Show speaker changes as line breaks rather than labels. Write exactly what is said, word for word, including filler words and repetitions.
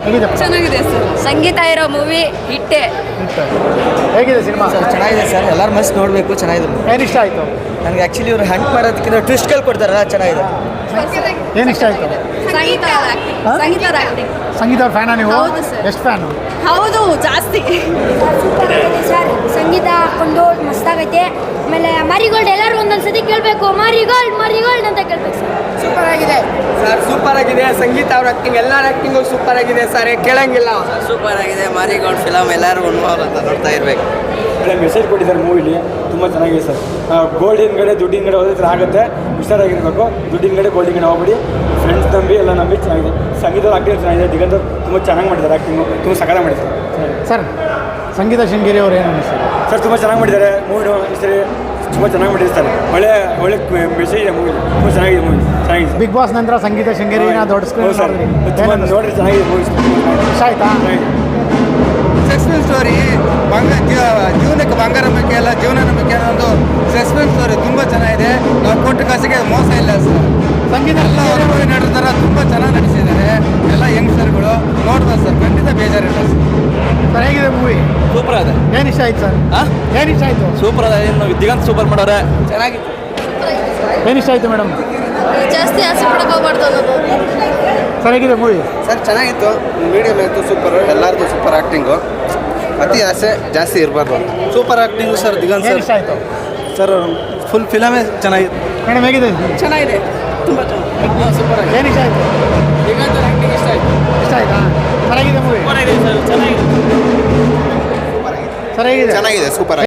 ಹೇಗಿದೆ
ಚೆನ್ನಾಗಿದೆ ಸರ್. ಸಂಗೀತ ಇರೋ ಮೂವಿ ಹಿಟ್ಟೆ.
ಹೇಗಿದೆ ಸಿನಿಮಾ?
ಸರ್ ಚೆನ್ನಾಗಿದೆ ಸರ್, ಎಲ್ಲರೂ ಮಸ್ತ್ ನೋಡಬೇಕು, ಚೆನ್ನಾಗಿದೆ.
ಏನು ಇಷ್ಟ ಆಯಿತು?
ನನಗೆ ಆ್ಯಕ್ಚುಲಿ ಇವ್ರು ಹಂಟ್ ಮಾಡೋದಕ್ಕಿಂತ ಟ್ವಿಸ್ಟ್ಗಳು ಕೊಡ್ತಾರಲ್ಲ, ಚೆನ್ನಾಗಿದೆ.
ಏನು ಇಷ್ಟ ಆಯಿತು?
ಸಂಗೀತ ಸಂಗೀತ ಆಕ್ಟಿಂಗ್.
ಸಂಗೀತ ಅವ್ರ ಫ್ಯಾನಾ ನೀವು?
ಹೌದು ಸರ್.
ಎಷ್ಟು ಫ್ಯಾನು?
ಹೌದು, ಜಾಸ್ತಿ.
ಸೂಪರ್ ಆಗಿದೆ ಸರ್, ಸಂಗೀತ ಹಾಕೊಂಡು ಮಸ್ತಾಗೈತೆ. ಆಮೇಲೆ ಮಾರಿಗೋಲ್ಡ್ ಎಲ್ಲರೂ ಒಂದೊಂದ್ಸತಿ ಕೇಳಬೇಕು, ಮಾರಿಗೋಲ್ಡ್ ಮಾರಿಗೋಲ್ಡ್ ಅಂತ ಕೇಳ್ಬೇಕು ಸರ್.
ಸೂಪರ್ ಆಗಿದೆ
ಸರ್, ಸೂಪರ್ ಆಗಿದೆ. ಸಂಗೀತ ಅವ್ರ ಆಕ್ಟಿಂಗ್, ಎಲ್ಲರ ಆಕ್ಟಿಂಗು ಸೂಪರ್ ಆಗಿದೆ ಸರ್, ಕೇಳಂಗಿಲ್ಲ.
ಸೂಪರ್ ಆಗಿದೆ. ಮಾರಿಗೋಲ್ಡ್ ಫಿಲಮ್ ಎಲ್ಲರೂ ಉಣ್ಬೋದು ಅಂತ ನೋಡ್ತಾ ಇರಬೇಕು.
ಒಳ್ಳೆ ಮೆಸೇಜ್ ಕೊಟ್ಟಿದ್ದಾರೆ ಮೂವಿಲಿ, ತುಂಬ ಚೆನ್ನಾಗಿದೆ ಸರ್. ಗೋಲ್ಡಿನ ಕಡೆ ದುಡ್ಡಿನ ಕಡೆ ಹೋದ್ರೆ ಆಗುತ್ತೆ, ಹುಷಾರಾಗಿರ್ಬೇಕು. ದುಡ್ಡಿನ ಕಡೆ ಗೋಲ್ಡಿನ ಕಡೆ ಹೋಗ್ಬಿಡಿ, ಫ್ರೆಂಡ್ಸ್ ನಂಬಿ ಎಲ್ಲ ನಂಬಿ ಚೆನ್ನಾಗಿದೆ. ಸಂಗೀತ ಆಕ್ಟಿಂಗ್ ಚೆನ್ನಾಗಿದೆ, ದಿಗಂತ ತುಂಬ ಚೆನ್ನಾಗಿ ಮಾಡಿದ್ದಾರೆ, ಆ್ಯಕ್ಟಿಂಗು ತುಂಬ ಸಕಾಲ ಮಾಡಿದ್ದಾರೆ
ಸರ್. ಸಂಗೀತ ಶೃಂಗೇರಿ ಅವ್ರು ಏನು ಅನಿಸ್ತಾರೆ
ಸರ್? ತುಂಬ ಚೆನ್ನಾಗಿ ಮಾಡಿದ್ದಾರೆ ಮೂವಿನು, ಸರಿ ತುಂಬ ಚೆನ್ನಾಗಿ ಮಾಡಿದ್ದಾರೆ ಸರ್. ಒಳ್ಳೆ ಒಳ್ಳೆ ಮೆಸೇಜ್ ಇದೆ ಮೂವಿ, ತುಂಬ ಚೆನ್ನಾಗಿದೆ ಮೂವಿ, ಚೆನ್ನಾಗಿದೆ.
ಬಿಗ್ ಬಾಸ್ ನಂತರ ಸಂಗೀತ ಶೃಂಗೇರಿನ ದೊಡ್ಡ ಸ್ಕ್ರೀನ್
ಸರ್, ತುಂಬ ನೋಡ್ರಿ ಚೆನ್ನಾಗಿದೆ ಮೂವಿ,
ಇಷ್ಟ ಆಯ್ತಾ?
ಸಸ್ಪೆನ್ಸ್ ಸ್ಟೋರಿ, ಬಂಗ ಜೀವನಕ್ಕೆ ಬಂಗಾರ ನಂಬಿಕೆ ಅಲ್ಲ, ಜೀವನ ನಂಬಿಕೆ ಅನ್ನೋ ಒಂದು ಸಸ್ಪೆನ್ಸ್ ಸ್ಟೋರಿ ತುಂಬ ಚೆನ್ನಾಗಿದೆ. ನಾವು ಕೊಟ್ಟ ಕಾಸಿಗೆ ಮೋಸ ಇಲ್ಲ ಸರ್.
ಸಂಗೀತ
ಎಲ್ಲ ಹೊರಗಡೆ ನಡೆದಾರ, ತುಂಬ ಚೆನ್ನಾಗಿ ನಡೆಸಿದ್ದಾರೆ ಎಲ್ಲ ಯಂಗ್ಸ್ಟರ್ಗಳು. ನೋಡ್ಬೋದು ಸರ್, ಖಂಡಿತ ಬೇಜಾರಿಲ್ಲ ಸರ್.
ಸರ್ ಹೇಗಿದೆ ಮೂವಿ?
ಸೂಪರ್ ಅದ.
ಏನು ಇಷ್ಟ ಆಯ್ತು ಸರ್?
ಹಾಂ,
ಏನು ಇಷ್ಟ ಆಯಿತು?
ಸೂಪರ್ ಅದ. ಏನು ದಿಗಂತ ಸೂಪರ್ ಮಾಡೋರೆ,
ಚೆನ್ನಾಗಿತ್ತು.
ಏನು ಇಷ್ಟ ಆಯಿತು ಮೇಡಮ್?
ಜಾಸ್ತಿ ಆಸೆ ಪಡಕ್ಕೆ ಹೋಗ್ಬಾರ್ದು ಅನ್ನೋದು.
ಸರ್ ಹೇಗಿದೆ ಮೂವಿ?
ಸರ್ ಚೆನ್ನಾಗಿತ್ತು, ಮೀಡಿಯಮ್ ಆಯಿತು, ಸೂಪರ್. ಎಲ್ಲರದು ಸೂಪರ್ ಆ್ಯಕ್ಟಿಂಗು, ಅತಿ ಆಸೆ ಜಾಸ್ತಿ ಇರಬಾರ್ದು. ಸೂಪರ್ ಆ್ಯಕ್ಟಿಂಗು ಸರ್ ದಿಗಂತ್
ಏನು
ಸರ್.
ಇಷ್ಟ ಆಯಿತು?
ಸರ್ ಫುಲ್ ಫಿಲಮೇ ಚೆನ್ನಾಗಿತ್ತು.
ಮೇಡಮ್ ಹೇಗಿದೆ?
ಚೆನ್ನಾಗಿದೆ, ತುಂಬ ಚೆನ್ನಾಗಿದೆ.
ಸೂಪರ್ ಆಗಿದೆ.
ಏನು ಇಷ್ಟ ಆಯಿತು?
ದಿಗಂತ್ ಆ್ಯಕ್ಟಿಂಗ್ ಇಷ್ಟ ಆಯಿತು.
ಇಷ್ಟ ಆಯ್ತಾ? ಸರ್ ಹೇಗಿದೆ ಮೂವಿ?
ಸರ್ ಚೆನ್ನಾಗಿದೆ.
ಸರ್ ಹೇಗಿದೆ?
ಚೆನ್ನಾಗಿದೆ, ಸೂಪರ್.